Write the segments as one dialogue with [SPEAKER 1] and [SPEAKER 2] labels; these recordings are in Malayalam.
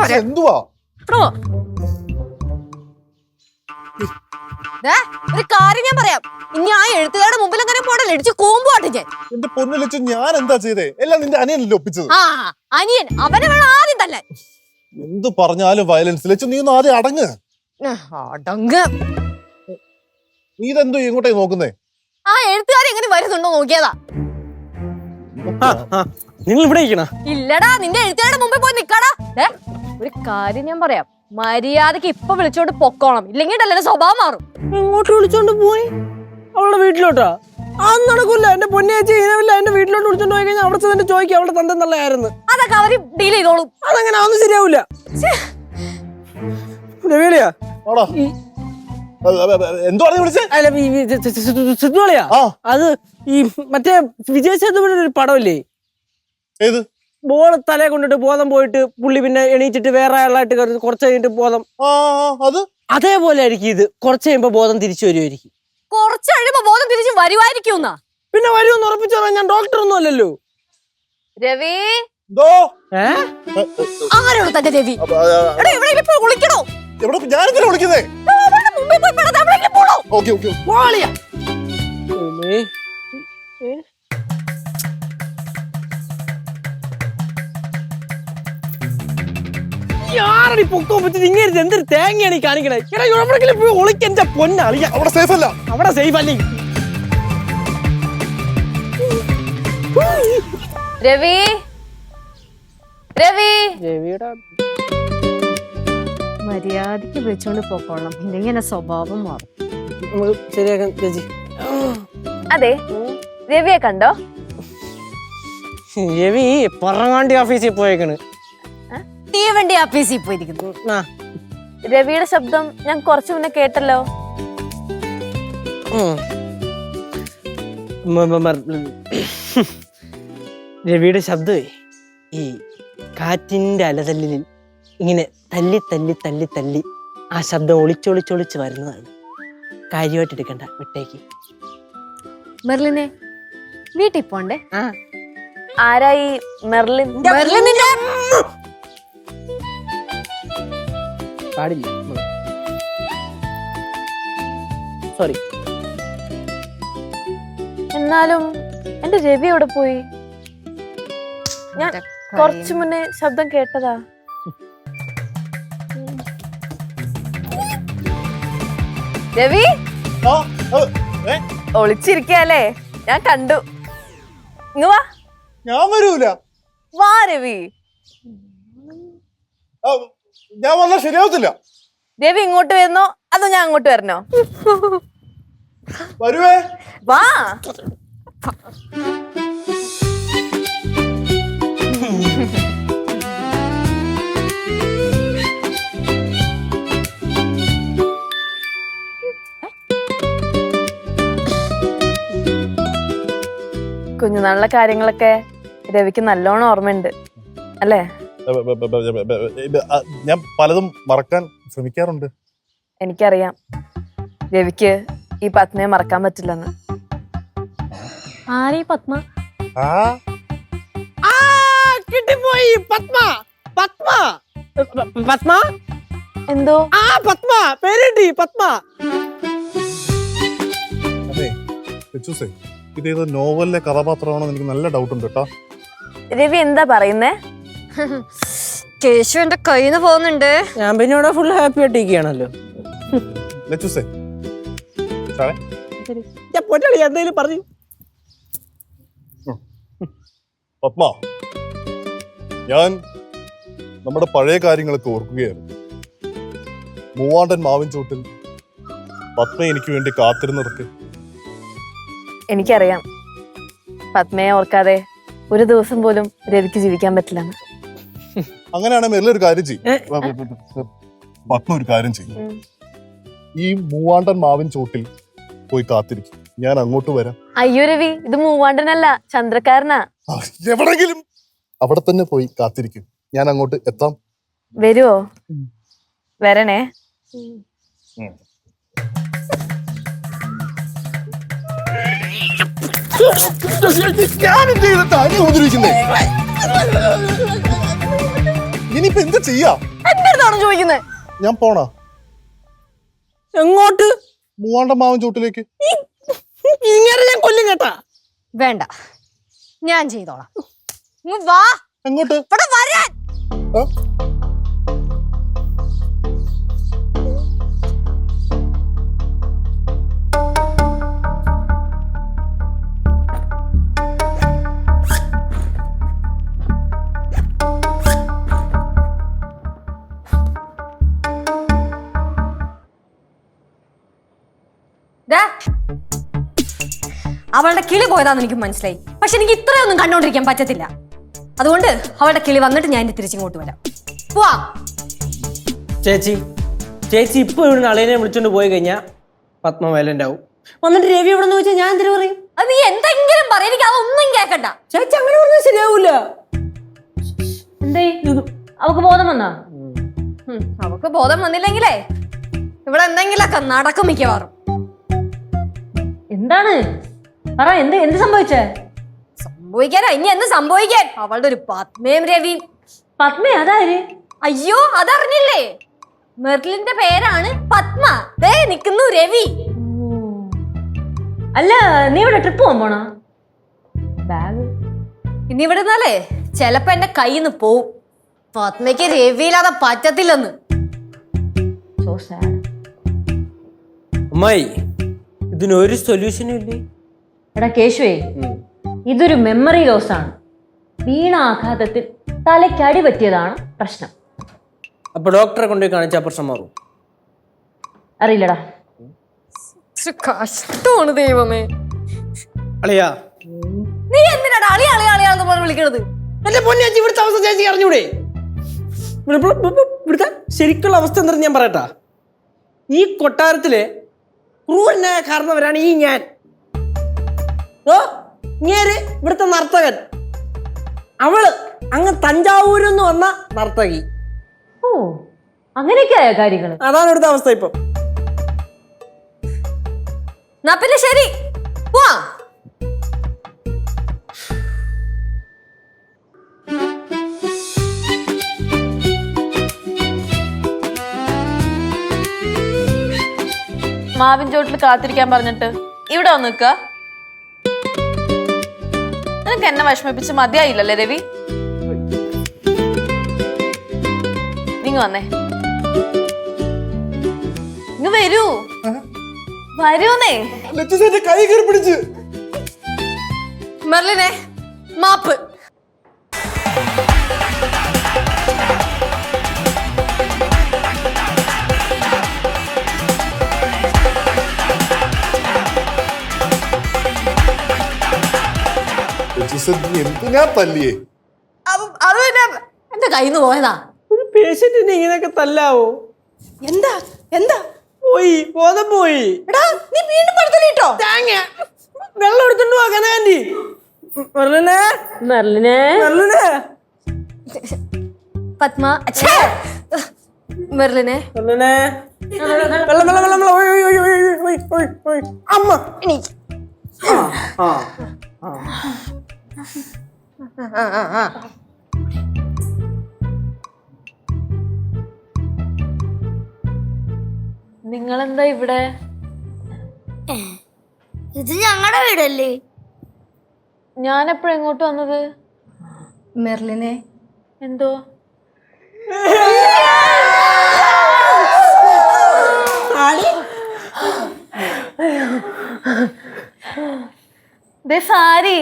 [SPEAKER 1] എന്തുവാ
[SPEAKER 2] ഒരു കാര്യം ഞാൻ പറയാം. ഇനി ആ എഴുത്തുകാരുടെ മുമ്പിൽ അങ്ങനെ പോടല്ലേ, ഇടിച്ച് കൂമ്പുവാട്ടെ ഞാൻ.
[SPEAKER 1] എന്റെ പൊന്നിലച്ചു ഞാൻ എന്താ ചെയ്തേ? എല്ലാം നിന്റെ അനിയനല്ലേ ഒപ്പിച്ചത്?
[SPEAKER 2] ആ അനിയൻ, അവനെ വേണം ആദ്യം തന്നെ.
[SPEAKER 1] എന്ത് പറഞ്ഞാലും വയലൻസ്. ലച്ചു നീ ഒന്ന് ആദ്യം അടങ്ങ്. നീ ഇതെന്തോ ഇങ്ങോട്ടേക്ക് നോക്കുന്നേ?
[SPEAKER 2] ആ എഴുത്തുകാർ എങ്ങനെ വരുന്നുണ്ടോ നോക്കിയതാ.
[SPEAKER 3] നിങ്ങൾ ഇവിടെ
[SPEAKER 2] ഇല്ലടാ, നിന്റെ എഴുത്തുകാരുടെ മുമ്പിൽ പോയി നിക്കാടാ. ഒരു കാര്യം ഞാൻ പറയാം, മര്യാദക്ക് ഇപ്പൊ വിളിച്ചോണ്ട് പൊക്കോണം, ഇല്ലെങ്കിൽ എന്റെ സ്വഭാവം മാറും.
[SPEAKER 3] ഇങ്ങോട്ട് വിളിച്ചോണ്ട് പോയി അവളുടെ വീട്ടിലോട്ടാ? അത് നടക്കൂല. എന്റെ പൊന്നേച്ചി ഇനവില്ല. എന്റെ വീട്ടിലോട്ട് വിളിച്ചോണ്ട് പോയി കഴിഞ്ഞാൽ അവിടെ തന്നെ ചോദിക്കും അവളുടെ തന്റെ നല്ലതായിരുന്നു.
[SPEAKER 2] അതൊക്കെ അവര് ഡീൽ ചെയ്തോളും.
[SPEAKER 3] അതങ്ങനെ അതൊന്നും ശരിയാവൂല. രവിളിയാ സിദ്ധുളിയാ? അത് ഈ മറ്റേ വിജയ് സേതുപതിയുടെ ഒരു പടമില്ലേ, ബോൾ തലയെ കൊണ്ടിട്ട് ബോധം പോയിട്ട് പുള്ളി പിന്നെ എണീച്ചിട്ട് വേറെ ആളായിട്ട് കുറച്ച് കഴിഞ്ഞിട്ട് ബോധം, അതേപോലെ ആയിരിക്കും ഇത്. കുറച്ച് കഴിയുമ്പോ ബോധം തിരിച്ചു വരുമായിരിക്കും.
[SPEAKER 2] കുറച്ച് കഴിയുമ്പോ ബോധം തിരിച്ചു വരുമായിരിക്കും.
[SPEAKER 3] പിന്നെ വരുമെന്ന് ഉറപ്പിച്ചു പറയാൻ ഞാൻ ഡോക്ടർ ഒന്നും അല്ലല്ലോ.
[SPEAKER 2] രവി ആരോട് തന്നെ രവി? വിളിക്കണോ?
[SPEAKER 1] ഞാനെന്തിനാ വിളിക്കുന്നേ?
[SPEAKER 3] ാരടി പൊക്കോ പറ്റിട്ട് ഇങ്ങനെ എന്തൊരു തേങ്ങയാണ് ഈ കാണിക്കണേ? എവിടെയെങ്കിലും പോയി ഒളിക്കെന്റെ പൊന്നളിയ.
[SPEAKER 1] അവിടെ സേഫ് അല്ല.
[SPEAKER 3] അവിടെ സേഫ് അല്ലേ?
[SPEAKER 2] രവി രവി
[SPEAKER 3] രവിയുടെ
[SPEAKER 2] മര്യാദക്ക് വിളിച്ചോണ്ട് പോക്കോളാം, ഇല്ലെങ്കിൽ എന്നെ സ്വഭാവം മാറും.
[SPEAKER 3] ശരിയാക്കാൻ ചേച്ചി.
[SPEAKER 2] അതെ, രവിയെ കണ്ടോ?
[SPEAKER 3] രവി പറങ്ങാണ്ടി ഓഫീസിൽ പോയേക്കണ്.
[SPEAKER 2] തീവണ്ടി ഓഫീസിൽ പോയിരിക്കുന്നു. രവിയുടെ ശബ്ദം ഞാൻ കുറച്ചു മുന്നേ കേട്ടല്ലോ.
[SPEAKER 3] രവിയുടെ ശബ്ദമേ ഈ കാറ്റിന്റെ അലതല്ലിൽ ഇങ്ങനെ തല്ലി തല്ലി തല്ലി തല്ലി ആ ശബ്ദം ഒളിച്ചൊളിച്ചൊളിച്ച് വരുന്നതാണ്. കാര്യമായിട്ട് എടുക്കണ്ട, വിട്ടേക്ക്.
[SPEAKER 2] മെർലിനെ വീട്ടിൽ പോണ്ടേ? ആരായി മെർലിൻ? മെർലിനിന്റെ
[SPEAKER 3] പാടില്ല, സോറി.
[SPEAKER 2] എന്നാലും എന്റെ രവി എവിടെ പോയി? ഞാൻ കുറച്ചു മുന്നേ ശബ്ദം കേട്ടതാ. രവി ഒളിച്ചിരിക്കല്ലേ? ഞാൻ കണ്ടു. ഇങ്ങ് വാ.
[SPEAKER 1] ഞാൻ വരൂല.
[SPEAKER 2] വാ രവി.
[SPEAKER 1] ഞാൻ വന്നാൽ ശരിയാവത്തില്ല.
[SPEAKER 2] രവി ഇങ്ങോട്ട് വരുന്നോ അതോ ഞാൻ അങ്ങോട്ട് വരണോ?
[SPEAKER 1] വരുവേ.
[SPEAKER 2] വാ. കുഞ്ഞുനാളിലെ കാര്യങ്ങളൊക്കെ രവിക്ക് നല്ലോണം ഓർമ്മയുണ്ട് അല്ലേ?
[SPEAKER 1] ഞാൻ പലതും മറക്കാൻ ശ്രമിക്കാറുണ്ട്.
[SPEAKER 2] എനിക്കറിയാം രവിക്ക് ഈ പത്മയെ മറക്കാൻ പറ്റില്ലെന്ന്. ആരീ പത്മ?
[SPEAKER 3] കിട്ടിപ്പോയി. പത്മ. പത്മ പത്മ
[SPEAKER 2] എന്തോ?
[SPEAKER 3] പത്മ പേരിട്ടി. പത്മ.
[SPEAKER 1] അതെ, ഇതേത് നോവലിലെ കഥാപാത്രമാണോ എനിക്ക് നല്ല ഡൗട്ട് ഉണ്ട് കേട്ടോ.
[SPEAKER 2] രവി എന്താ പറയുന്നേ? കേശു എന്റെ കയ്യിൽ നിന്ന് പോകുന്നുണ്ട്.
[SPEAKER 3] ഞാൻ പിന്നെ ഇവിടെ ഫുൾ ഹാപ്പി ആയിട്ടിരിക്കുകയാണല്ലോ. എന്തെങ്കിലും പറഞ്ഞു.
[SPEAKER 1] പത്മ, ഞാൻ നമ്മുടെ പഴയ കാര്യങ്ങളൊക്കെ ഓർക്കുകയായിരുന്നു. മൂവാണ്ടൻ മാവിൻ ചോട്ടിൽ പത്മ എനിക്ക് വേണ്ടി കാത്തിരുന്നിടക്ക്.
[SPEAKER 2] എനിക്കറിയാം പത്മയെ ഓർക്കാതെ ഒരു ദിവസം പോലും രവിക്ക് ജീവിക്കാൻ പറ്റില്ലെന്ന്.
[SPEAKER 1] അങ്ങനെയാണെങ്കിൽ മെല്ലെ ഒരു കാര്യം ചെയ്യും. പത്മ ഒരു കാര്യം ചെയ്യും. ഈ മൂവാണ്ടൻ മാവിൻ ചോട്ടിൽ പോയി കാത്തിരിക്കും, ഞാൻ അങ്ങോട്ട് വരാം.
[SPEAKER 2] അയ്യോ രവി, ഇത് മൂവാണ്ടനല്ല, ചന്ദ്രക്കാരനാ.
[SPEAKER 1] എവിടെങ്കിലും അവിടെ തന്നെ പോയി കാത്തിരിക്കും, ഞാൻ അങ്ങോട്ട് എത്താം.
[SPEAKER 2] വരുവോ? വരണേ.
[SPEAKER 1] ഇനി ഇതിപ്പോ എന്ത് ചെയ്യാ?
[SPEAKER 2] എന്റെ അടുത്താണോ ചോദിക്കുന്നത്?
[SPEAKER 1] ഞാൻ പോണോ?
[SPEAKER 3] എങ്ങോട്ട്?
[SPEAKER 1] മൂവാണ്ടൻ മാവൻ ചോട്ടിലേക്ക്.
[SPEAKER 3] ഇങ്ങനെ ഞാൻ കൊല്ലും കേട്ടാ.
[SPEAKER 2] വേണ്ട, ഞാൻ ചെയ്തോളാം. വാ.
[SPEAKER 1] എങ്ങോട്ട്?
[SPEAKER 2] ഇവിടെ വരാൻ. അവളുടെ കിളി പോയതാന്ന് എനിക്ക് മനസ്സിലായി. പക്ഷെ എനിക്ക് ഇത്രയൊന്നും കണ്ടോണ്ടിരിക്കാൻ പറ്റത്തില്ല. അതുകൊണ്ട് അവളുടെ കിളി വന്നിട്ട് ഞാൻ തിരിച്ചിങ്ങോട്ട് വരാം. പോവാ.
[SPEAKER 3] ചേച്ചി ഇപ്പൊ ഇവിടുന്ന് അളിയനെ വിളിച്ചോണ്ട് പോയി കഴിഞ്ഞാ പത്മ വയലന്റ് ആവും. വന്നിട്ട് രവി എവിടെ നിന്ന് ചോദിച്ചാൽ ഞാൻ എന്തിനു പറയും?
[SPEAKER 2] അത് നീ എന്തെങ്കിലും പറയും, എനിക്ക് അതൊന്നും കേക്കണ്ട.
[SPEAKER 3] ചേച്ചി അങ്ങനെ പറഞ്ഞാൽ ശരിയാവൂല.
[SPEAKER 2] എന്തേ അവക്ക് ബോധം വന്നാ? അവക്ക് ബോധം വന്നില്ലെങ്കിലേ ഇവിടെ എന്തെങ്കിലൊക്കെ നടക്കും മിക്കവാറും.
[SPEAKER 4] എന്താണ് പറ, എന്ത് സംഭവിച്ചേ?
[SPEAKER 2] സംഭവിക്കാനാ ഇനി എന്ത് സംഭവിക്കാൻ? അവളുടെ ഒരു പത്മയും രവിയും.
[SPEAKER 4] പത്മ അതാര്?
[SPEAKER 2] അയ്യോ, അതറിഞ്ഞില്ലേ? മെർലിന്റെ പേരാണ് പത്മ. ദേ നിക്കുന്നു രവി.
[SPEAKER 4] അല്ല, നീ ഇവിടെ ട്രിപ്പ് പോകാൻ പോണോ? ബാഗ്
[SPEAKER 2] ഇനി ഇവിടെ നിന്നാലേ ചെലപ്പോ എന്റെ കയ്യിൽ നിന്ന് പോവും. പത്മയ്ക്ക് രവിയില്ലാതെ പറ്റത്തില്ലെന്ന്.
[SPEAKER 4] So sad.
[SPEAKER 3] അമ്മായി, ഇതിനൊരു സൊല്യൂഷനും ഇല്ലേ?
[SPEAKER 4] എടാ കേശുവേ, ഇതൊരു മെമ്മറി ലോസ് ആണ്. വീണ ആഘാതത്തിൽ തലയ്ക്കടി പറ്റിയതാണ് പ്രശ്നം.
[SPEAKER 3] അപ്പൊ ഡോക്ടറെ കൊണ്ടുപോയി കാണിച്ചാൽ പ്രശ്നം മാറും?
[SPEAKER 4] അറിയില്ലടാ.
[SPEAKER 2] കഷ്ടമാണ് ദൈവമേ.
[SPEAKER 3] അളിയാ,
[SPEAKER 2] നീ എന്തിനാണ് അളി അളി അളിയാന്ന് പറഞ്ഞ് വിളിക്കണത്?
[SPEAKER 3] എന്റെ പൊന്നേച്ചി, ഇവിടുത്തെ അവസ്ഥ ചേച്ചി അറിഞ്ഞൂടെ? ഇവിടുത്തെ ശരിക്കുള്ള അവസ്ഥ എന്താണെന്ന് ഞാൻ പറയട്ടാ. ഈ കൊട്ടാരത്തിലെ ക്രൂരനായ കാരണവരാണ് ഈ ഞാൻ. ഇങ്ങേര് ഇവിടുത്തെ നർത്തകൻ, അവള് അങ്ങ് തഞ്ചാവൂരിൽ നിന്ന് വന്ന നർത്തകി.
[SPEAKER 4] ഓ, അങ്ങനെയൊക്കെ ആയ കാര്യങ്ങള്.
[SPEAKER 3] അതാണ് ഇവിടുത്തെ അവസ്ഥ ഇപ്പൊ.
[SPEAKER 2] എന്നാ പിന്നെ ശരി, പോവാ.
[SPEAKER 5] മാവിൻ ചോട്ടിൽ കാത്തിരിക്കാൻ പറഞ്ഞിട്ട് ഇവിടെ വന്ന് നിൽക്ക. നിനക്ക് എന്നെ വിഷമിപ്പിച്ച് മതിയായില്ലല്ലേ രവി? നിങ്ങ വന്നേ, ഇങ്ങ് വരൂ. വരൂന്നേ.
[SPEAKER 1] കൈ കയറി പിടിച്ച്.
[SPEAKER 2] മെർലിനെ മാപ്പ്.
[SPEAKER 1] എന്തിനാ തല്ലിയേ?
[SPEAKER 2] അത് പിന്നെ എന്റെ കയ്യിൽ നിന്ന് പോയതാ.
[SPEAKER 3] ഒരു പേഷ്യന്റിനെ ഇങ്ങനെയൊക്കെ തല്ലാവോ?
[SPEAKER 2] എന്താ എന്താ
[SPEAKER 3] പോയി, ബോധം പോയി.
[SPEAKER 2] എടാ, നീ വീണ്ടും പടുത്തലിട്ടോ?
[SPEAKER 3] വെള്ളം എടുത്തോണ്ട് പോകാൻ ആന്റി. മെർലിനെ,
[SPEAKER 4] മെർലിനെ,
[SPEAKER 3] മെർലിനെ,
[SPEAKER 2] പത്മ. മെർലിനെ,
[SPEAKER 3] മെർലിനെ, വെള്ളം വെള്ളം വെള്ളം വെള്ളം. ഒയ് ഒയ് ഒയ് ഒയ് ഒയ് ഒയ്. അമ്മ
[SPEAKER 2] എണീ.
[SPEAKER 5] നിങ്ങളെന്താ ഇവിടെ?
[SPEAKER 6] ഇത് ഞങ്ങളുടെ വീടല്ലേ?
[SPEAKER 5] ഞാൻ എപ്പോഴും എങ്ങോട്ട് വന്നത്?
[SPEAKER 2] മെർലിനെ
[SPEAKER 5] എന്തോ സാരി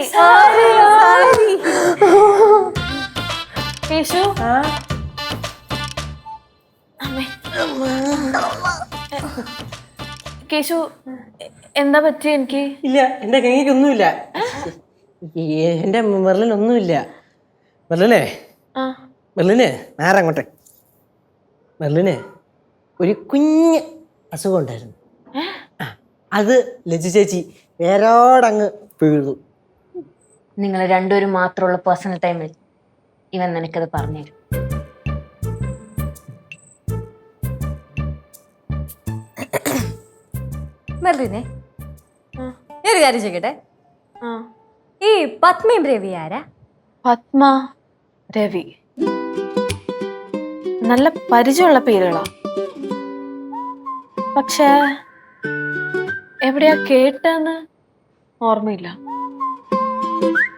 [SPEAKER 5] കേശു, കേശു എന്താ പറ്റിയ? എനിക്ക്
[SPEAKER 3] ഇല്ല, എന്റെ കൈക്കൊന്നുമില്ല. എന്റെ മെർലിനൊന്നുമില്ല. മെർലിനെ, മെർലിനെ, നേരെ അങ്ങോട്ടെ. മെർലിന് ഒരു കുഞ്ഞ് അസുഖം ഉണ്ടായിരുന്നു. അത് ലജ്ജ ചേച്ചി വേരോടങ്ങ് വീഴുന്നു.
[SPEAKER 4] നിങ്ങൾ രണ്ടുപേരും മാത്രമുള്ള പേഴ്സണൽ ടൈമിൽ ഇവൻ നിനക്കത് പറഞ്ഞുതരും.
[SPEAKER 2] മെർലിനെ, ഒരു കാര്യം ചോദിക്കട്ടെ, ഈ പത്മയും രവി ആരാ?
[SPEAKER 5] പത്മ രവി നല്ല പരിചയമുള്ള പേരുകളാ. പക്ഷേ എവിടെയാ കേട്ടെന്ന് ഓർമ്മയില്ല.